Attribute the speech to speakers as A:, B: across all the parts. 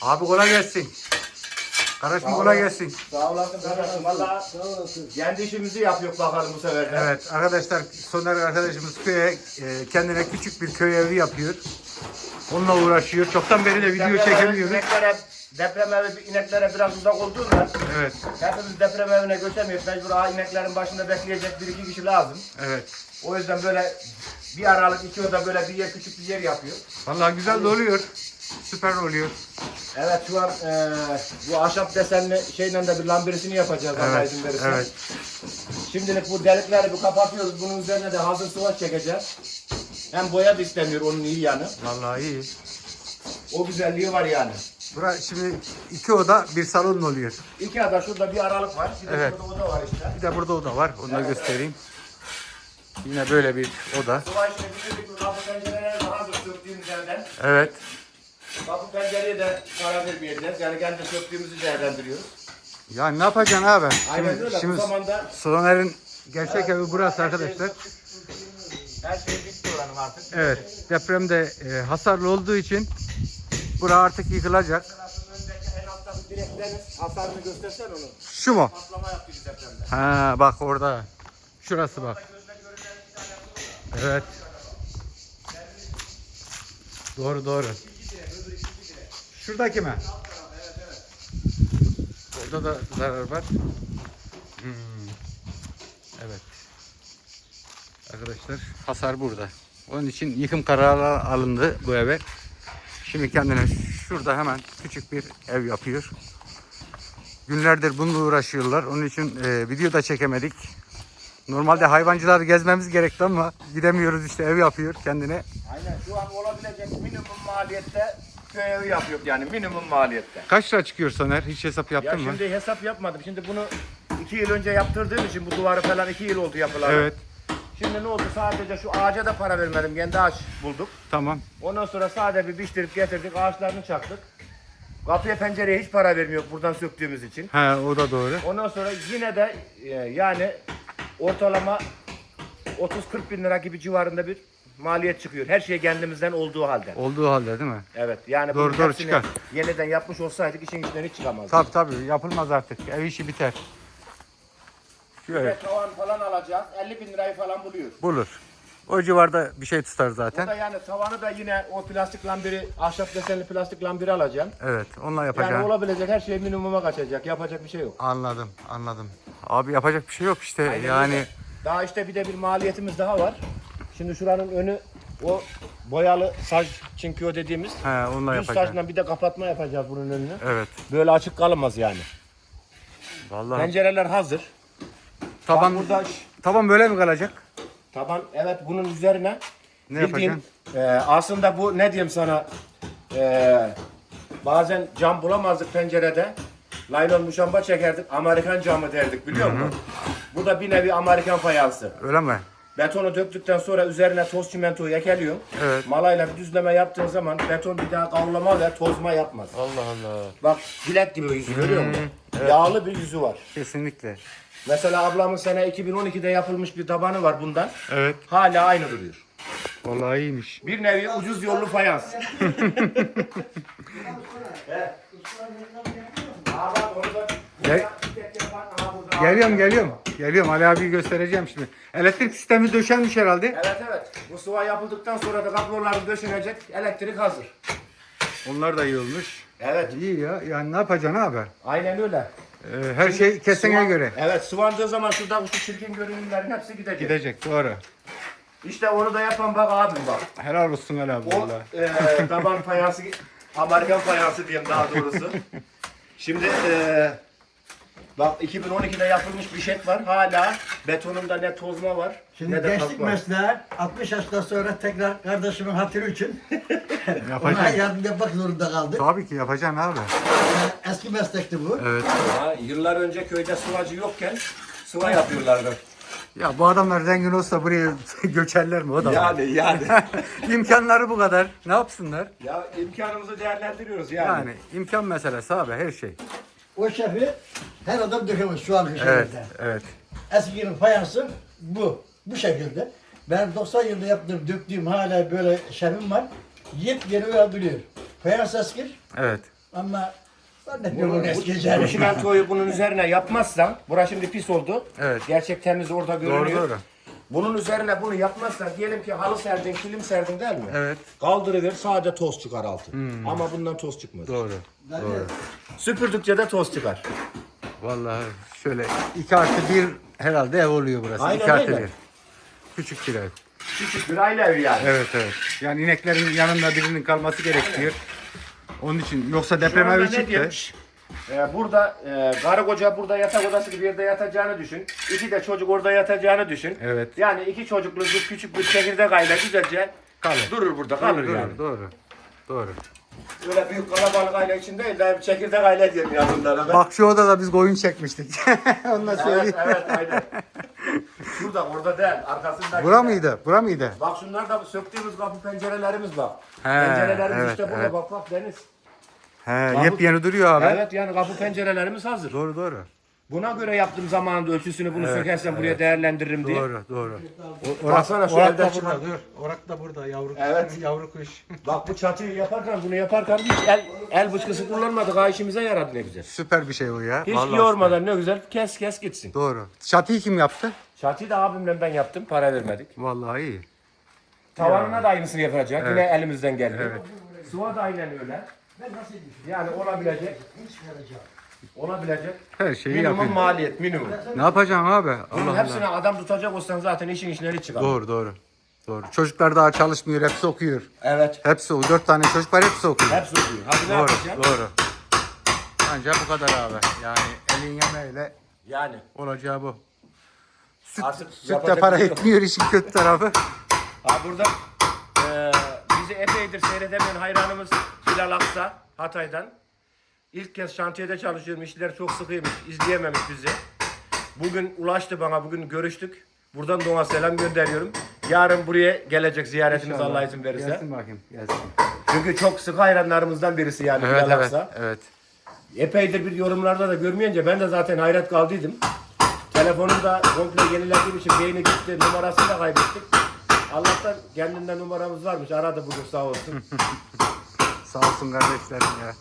A: Abi kolay gelsin. Kardeşim kolay gelsin.
B: Sağ olasın kardeşim. Valla kendi işimizi yapıyor bakalım bu sefer de.
A: Evet arkadaşlar, Soner arkadaşımız köye kendine küçük bir köy evi yapıyor. Onunla uğraşıyor. Çoktan beri de video çekemiyoruz.
B: Deprem evi ineklere biraz uzak olduğunda
A: Evet.
B: hepimiz deprem evine göçemiyoruz. Mecbur ineklerin başında bekleyecek bir iki kişi lazım.
A: Evet.
B: O yüzden böyle bir aralık iki oda böyle bir yer, küçük bir yer yapıyor.
A: Vallahi güzel de oluyor. Süper oluyor.
B: Evet, şu an bu ahşap desenli şeyle de bir lambirisini yapacağız.
A: Evet. Evet.
B: Şimdilik bu delikleri bir kapatıyoruz. Bunun üzerine de hazır sıvaç çekeceğiz. Hem boya da istemiyor, onun iyi yanı.
A: Vallahi iyi.
B: O güzelliği var yani.
A: Burası şimdi 2 oda bir salon oluyor.
B: İki ada şurada bir aralık var. Bir de
A: Evet.
B: şurada oda var işte.
A: Bir de burada oda var. Onu da göstereyim. Yine böyle bir oda.
B: Sıvaç çekildik. Kapı pencereler de hazır söktüğümüz yerden.
A: Evet.
B: Kapı pencereye de para vermeyeceğiz. Yani kendi söktüğümüzü değerlendiriyoruz.
A: Ya ne yapacaksın abi?
B: Aynen öyle.
A: Şimdi
B: Bu zamanda
A: Soner'in gerçek evi burası arkadaşlar.
B: her şey bitti oranın artık.
A: Evet. Depremde hasarlı olduğu için bura artık yıkılacak.
B: Öndeki en alttaki direklerin hasarını göstersen onu.
A: Şu mu?
B: Patlama yaptı bir depremde.
A: Ha bak orada. Şurası bak. Evet. Doğru doğru. Şuradaki mi? Orada da zarar var. Evet. Arkadaşlar hasar burada. Onun için yıkım kararı alındı bu eve. Şimdi kendine şurada hemen küçük bir ev yapıyor. Günlerdir bununla uğraşıyorlar. Onun için video da çekemedik. Normalde hayvancıları gezmemiz gerekti ama gidemiyoruz, işte ev yapıyor kendine.
B: Aynen, şu an olabilecek minimum maliyette köy evi yapıyor yani minimum maliyette.
A: Kaç lira çıkıyor Soner? Hiç hesap
B: Ya
A: yaptın mı?
B: şimdi hesap yapmadım. Şimdi bunu 2 yıl önce yaptırdığım için bu duvarı falan 2 yıl oldu yapılalı.
A: Evet.
B: Şimdi ne oldu? Sadece şu ağaca da para vermedim. Kendi ağaç bulduk.
A: Tamam.
B: Ondan sonra sadece bir biçtirip getirdik. Ağaçlarını çaktık. Kapıya pencereye hiç para vermiyor buradan söktüğümüz için.
A: He, o da doğru.
B: Ondan sonra yine de yani ortalama 30-40 bin lira gibi civarında bir maliyet çıkıyor. Her şey kendimizden olduğu halde.
A: Olduğu halde değil mi?
B: Evet, yani
A: Doğru,
B: bunun
A: doğru,
B: hepsini
A: çıkar.
B: yeniden yapmış olsaydık işin içinden hiç çıkamazdık.
A: Tabii yapılmaz artık. Ev işi biter. Şöyle
B: Ve tavan falan alacağız. 50 bin lirayı falan buluyor.
A: bulur. O civarda bir şey tutar
B: Bu
A: zaten.
B: da yani tavanı da yine o plastik lambiri, ahşap desenli plastik lambiri alacağım.
A: Evet, onunla
B: Yani
A: yapacağım.
B: olabilecek her şey minimuma kaçacak. Yapacak bir şey yok.
A: Anladım. Abi yapacak bir şey yok işte.
B: Aynen
A: Yani
B: öyle. Daha işte bir de bir maliyetimiz daha var. Şimdi şuranın önü o boyalı saç çinkiyo dediğimiz
A: onunla
B: düz
A: yapacağım.
B: saçla bir de kapatma yapacağız bunun önünü.
A: Evet.
B: Böyle açık kalmaz yani.
A: Vallahi
B: Pencereler hazır.
A: taban
B: Bak burada
A: taban böyle mi kalacak?
B: taban, evet, bunun üzerine
A: Ne
B: bildiğin, aslında bu ne diyeyim sana, bazen cam bulamazdık pencerede. Laylon muşamba çekerdik, Amerikan camı derdik, biliyor musun? Bu da bir nevi Amerikan fayansı.
A: Öyle mi?
B: Betonu döktükten sonra üzerine toz çimentoyu ekeliyorsun.
A: Evet.
B: Malayla bir düzleme yaptığın zaman beton bir daha kavrulama ve tozma yapmaz.
A: Allah Allah.
B: Bak, bilek gibi yüzü görüyor musun? Yağlı bir yüzü var.
A: Kesinlikle.
B: Mesela ablamın sene 2012'de yapılmış bir tabanı var bundan.
A: Evet.
B: Hala aynı duruyor.
A: Vallahi iyiymiş.
B: Bir nevi ucuz yollu fayans.
A: Gel- Geliyorum. Ali abi göstereceğim şimdi. Elektrik sistemi döşenmiş herhalde.
B: Evet. Bu sıva yapıldıktan sonra da kabloları döşenecek. Elektrik hazır.
A: Onlar da iyi olmuş.
B: Evet.
A: İyi ya. Yani ne yapacaksın abi?
B: Aynen öyle.
A: Her şey kesene
B: Sıva-
A: göre.
B: Evet, sıvandığı zaman şurada şu çirkin görünümlerin hepsi gidecek.
A: Gidecek doğru.
B: İşte onu da yapan bak abim bak.
A: Helal olsun Ali abi
B: O
A: vallahi.
B: taban fayansı, Amerikan fayansı diyeyim daha doğrusu. Şimdi bak 2012'de yapılmış bir şey var. Hala betonunda ne tozma var
C: Şimdi
B: ne de
C: gençlik
B: kalk var.
C: mesleği 60 yaşından sonra tekrar kardeşimin hatırı için ona
A: Yapacaksın.
C: yardım yapmak zorunda kaldık.
A: Tabii ki yapacaksın abi.
C: Eski meslekti bu.
A: Evet.
B: Ha, yıllar önce köyde sıvacı yokken sıva yapıyorlardı.
A: Ya bu adamlar zengin olsa buraya göçerler mi o da? var.
B: Yani.
A: İmkanları bu kadar. Ne yapsınlar?
B: Ya imkanımızı değerlendiriyoruz yani.
A: Yani imkan meselesi abi her şey.
C: O şefi her adam dökemez şu anki şehirde.
A: Evet.
C: Eskinin fayansı bu. Bu şekilde. Ben 90 yılında yaptığım, döktüğüm hala böyle şefim var. Yepyeni öyle duruyor. Fayans eski.
A: Evet.
C: Ama zannetmiyorum
B: Bu
C: eskiyeceğini.
B: çimentoyu bunun üzerine yapmazsan, burası şimdi pis oldu.
A: Evet.
B: Gerçek temiz orada görünüyor.
A: Doğru.
B: Bunun üzerine bunu yapmazsan, diyelim ki halı serdin, kilim serdin değil mi?
A: Evet.
B: Kaldırıver, sadece toz çıkar altı. Ama bundan toz çıkmaz.
A: Doğru. Doğru.
B: Süpürdükçe de toz çıkar.
A: Vallahi şöyle 2+1 herhalde ev oluyor burası.
B: Aynen
A: 2+1.
B: öyle.
A: Küçük bir ev.
B: Küçük bir aile evi yani.
A: Evet. Yani ineklerin yanında birinin kalması gerekiyor. Onun için yoksa
B: Şu
A: deprem
B: anda
A: evi
B: ne
A: çıktı.
B: diyeyim? Burada karı koca burada yatak odası gibi bir yerde yatacağını düşün. 2 de çocuk orada yatacağını düşün.
A: Evet.
B: Yani 2 çocuklu bir küçük bir çekirdek aile güzelce
A: Kalır.
B: durur burada kalır
A: Doğru,
B: yani.
A: Doğru.
B: Öyle büyük kalabalık aile için değil de bir çekirdek aile diyelim ya bunlara. Ben.
A: Bak şu odada biz koyun çekmiştik. Ondan
B: Evet
A: söyleyeyim.
B: aynen. Şurada orada değil arkasında.
A: Bura mıydı? Bura mıydı?
B: Bak şunlar da söktüğümüz kapı pencerelerimiz bak.
A: He,
B: Pencerelerimiz
A: evet,
B: işte burada
A: evet.
B: bak deniz.
A: He,
B: Kapı-
A: yepyeni duruyor abi.
B: Evet yani kapı pencerelerimiz hazır.
A: Doğru.
B: Buna göre yaptığım zamanında ölçüsünü bunu sökersen buraya değerlendiririm diye.
A: Doğru.
B: Baksana şu
A: Orak
B: evden
A: da
B: çıkan.
A: burada. Dur. Orak da burada yavru.
B: Evet.
A: Yavru kuş.
B: Bak bu çatıyı yaparken bunu yaparken hiç el bıçkısı kullanmadık. Ha işimize yaradı ne güzel.
A: Süper bir şey o ya.
B: Hiç
A: Vallahi
B: yormadan ne güzel kes gitsin.
A: süper. Doğru. Çatıyı kim yaptı?
B: Çatıyı da abimle ben yaptım. Para vermedik.
A: Vallahi iyi.
B: Tavanına da aynısını yapacak. Yine elimizden geldi.
A: Evet.
B: Sıva da aynen öyle. Yani olabilecek. Olabilecek.
A: Her şeyi
B: Minimum
A: yapıyor.
B: maliyet minimum.
A: Ne yapacaksın abi?
B: Bunun
A: Allah
B: hepsine
A: Allah.
B: adam tutacak olsan zaten işin içine hiç çıkar.
A: Doğru. Çocuklar daha çalışmıyor. Hepsi okuyor.
B: Evet.
A: Hepsi o. 4 tane çocuk var. Hepsi okuyor.
B: Hepsi okuyor. Hadi ne yapacaksın?
A: Doğru. Ancak bu kadar abi. Yani elin yemeğiyle
B: Yani.
A: olacağı bu.
B: Artık
A: Süt de
B: yapacak
A: para
B: bir şey yok.
A: etmiyor işin kötü tarafı.
B: Ha burada bizi epeydir seyredemeyen hayranımız Hilal Aksa Hatay'dan. İlk kez şantiyede çalışıyorum. İşler çok sıkıymış. İzleyememiş bizi. Bugün ulaştı bana. Bugün görüştük. Buradan da ona selam gönderiyorum. Yarın buraya gelecek ziyaretimiz
A: İnşallah.
B: Allah izin verirse.
A: Gelsin bakayım. Gelsin.
B: Çünkü çok sıkı hayranlarımızdan birisi yani
A: Evet,
B: Hilal Aksa.
A: evet.
B: Epeydir bir yorumlarda da görmeyince ben de zaten hayret kaldıydım. Telefonum da komple yenilediğim için beyni gitti. Numarasını da kaybettik. Allah'tan kendinden numaramız varmış. Aradı bugün sağ olsun.
A: Sağ olsun kardeşlerim ya.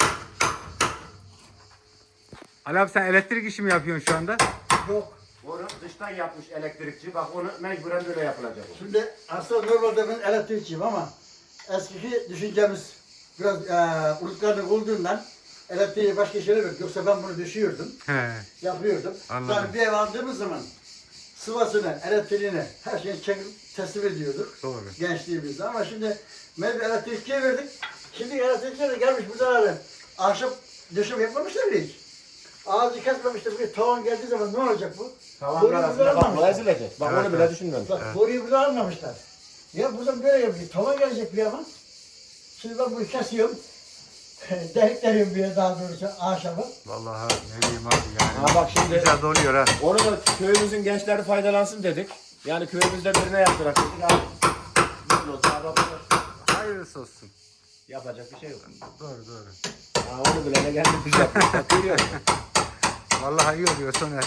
A: Ali abi sen elektrik işi mi yapıyorsun şu anda?
C: Yok.
B: Onu dıştan yapmış elektrikçi. Bak onu mecburen böyle yapılacak.
C: Şimdi aslında normalde ben elektrikçiyim ama eskiki düşüncemiz biraz unutkanlık olduğundan elektriği başka işlere verdik. Yoksa ben bunu düşüyordum,
A: He.
C: yapıyordum.
A: Anladım.
C: Yani bir ev aldığımız zaman sıvasını, elektriğini, her şeyi çekip teslim ediyorduk.
A: Doğru.
C: Gençliğimizde ama şimdi mecbur elektrikçiye verdik. Şimdi elektrikçiler de gelmiş burada abi. Ahşap döşeme yapmamışlar bile hiç. Ağacı kesmemişler. Bir tavan geldiği zaman ne olacak bu?
B: Tavanlar
C: Boruyu
B: arasında
C: burada
B: bak
C: almamışlar.
B: ezilecek. Bak
A: Evet,
B: onu bile düşünmemiş.
C: Bak boruyu burada almamışlar. Ya buradan böyle yapıyor. Tavan gelecek bir ama. Şimdi ben bunu kesiyorum. Delikleriyorum bir daha doğrusu ahşabı.
A: Vallahi ne diyeyim abi yani.
B: Ha bak şimdi
A: Güzel doluyor ha.
B: onu da köyümüzün gençleri faydalansın dedik. Yani köyümüzde birine yaptırak dedik. Abi, mutlu olsun, abi,
A: Hayırlısı olsun.
B: yapacak bir şey yok.
A: Doğru.
B: Ha, onu bile ne geldi biz yaptık. Bak görüyor musun?
A: Vallahi iyi oluyor Soner.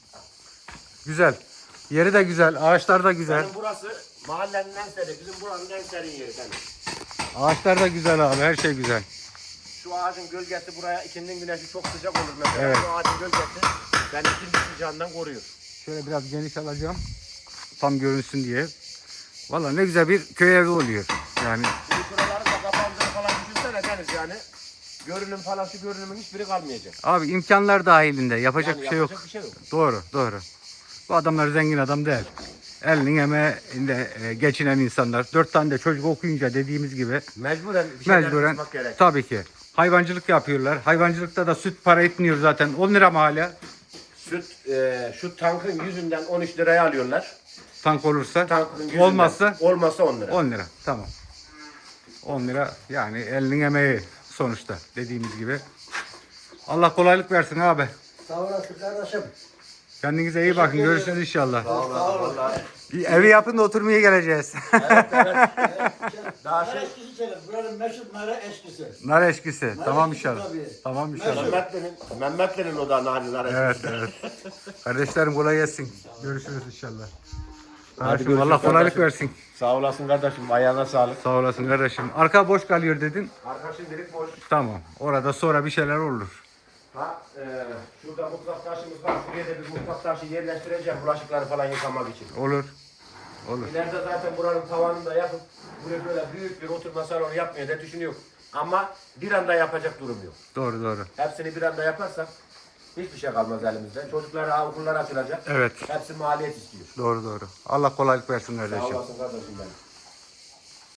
A: Güzel. Yeri de güzel. Ağaçlar da güzel.
B: Benim burası mahallenin en seri, bizim buranın en serin yeri benim.
A: Ağaçlar da güzel abi. Her şey güzel.
B: Şu ağacın gölgesi buraya ikindin güneşi çok sıcak olur mesela.
A: Evet.
B: Şu ağacın gölgesi beni ikindi sıcağından koruyor.
A: Şöyle biraz geniş alacağım. Tam görünsün diye. Vallahi ne güzel bir köy evi oluyor. Yani
B: Şimdi şuraları da kapandığını falan düşünsene Deniz yani. Görünüm falan şu görünümün hiçbiri kalmayacak.
A: abi imkanlar dahilinde yapacak
B: Yani
A: bir şey yok.
B: yapacak bir şey yok.
A: Doğru. Bu adamlar zengin adam değil. Elinin emeğinde geçinen insanlar. 4 tane de çocuk okuyunca dediğimiz gibi
B: Mecburen bir şeyler
A: mecburen
B: yapmak gerek.
A: tabii ki hayvancılık yapıyorlar. Hayvancılıkta da süt para etmiyor zaten. 10 lira mı hala?
B: Süt şu tankın yüzünden 13 liraya alıyorlar.
A: Tank olursa.
B: Tankın yüzünden.
A: Olmazsa
B: Olmazsa 10 lira.
A: 10 lira. Tamam. 10 lira yani elinin emeği sonuçta dediğimiz gibi. Allah kolaylık versin abi.
C: Sağ olasın kardeşim.
A: Kendinize iyi bakın. Görüşürüz inşallah.
B: Sağ olun. Vallahi.
A: Bir evi yapın da oturmaya geleceğiz.
B: Daha
C: Nara
B: şey
C: eşkisi içelim. Buranın meşhur nara eşkisi.
A: Nar eşkisi. Tamam
C: eşkisi
A: inşallah.
C: tabii.
A: Tamam inşallah.
B: Mehmetlerin o da narinler.
A: Evet. Kardeşlerim kolay gelsin. Görüşürüz inşallah. Kardeşim
B: görüşürüz
A: Allah kolaylık
B: kardeşim.
A: versin.
B: Sağ olasın kardeşim. Ayağına sağlık.
A: Sağ olasın kardeşim. Arka boş kalıyor dedin.
B: Arka şimdilik boş.
A: Tamam. Orada sonra bir şeyler olur.
B: Ha, şurada mutfak taşımız var. Şuraya da bir mutfak taşı yerleştireceğim bulaşıkları falan yıkamak için.
A: Olur. Olur.
B: İleride zaten buranın tavanını da yapıp buraya böyle büyük bir oturma salonu yapmayı da düşünüyorum. Ama bir anda yapacak durum yok.
A: Doğru doğru.
B: Hepsini bir anda yaparsak hiçbir şey kalmaz elimizde. Çocuklara okullar açılacak.
A: Evet.
B: Hepsi maliyet istiyor.
A: Doğru doğru. Allah kolaylık versin
B: Sağ
A: kardeşim.
B: olasın kardeşim benim.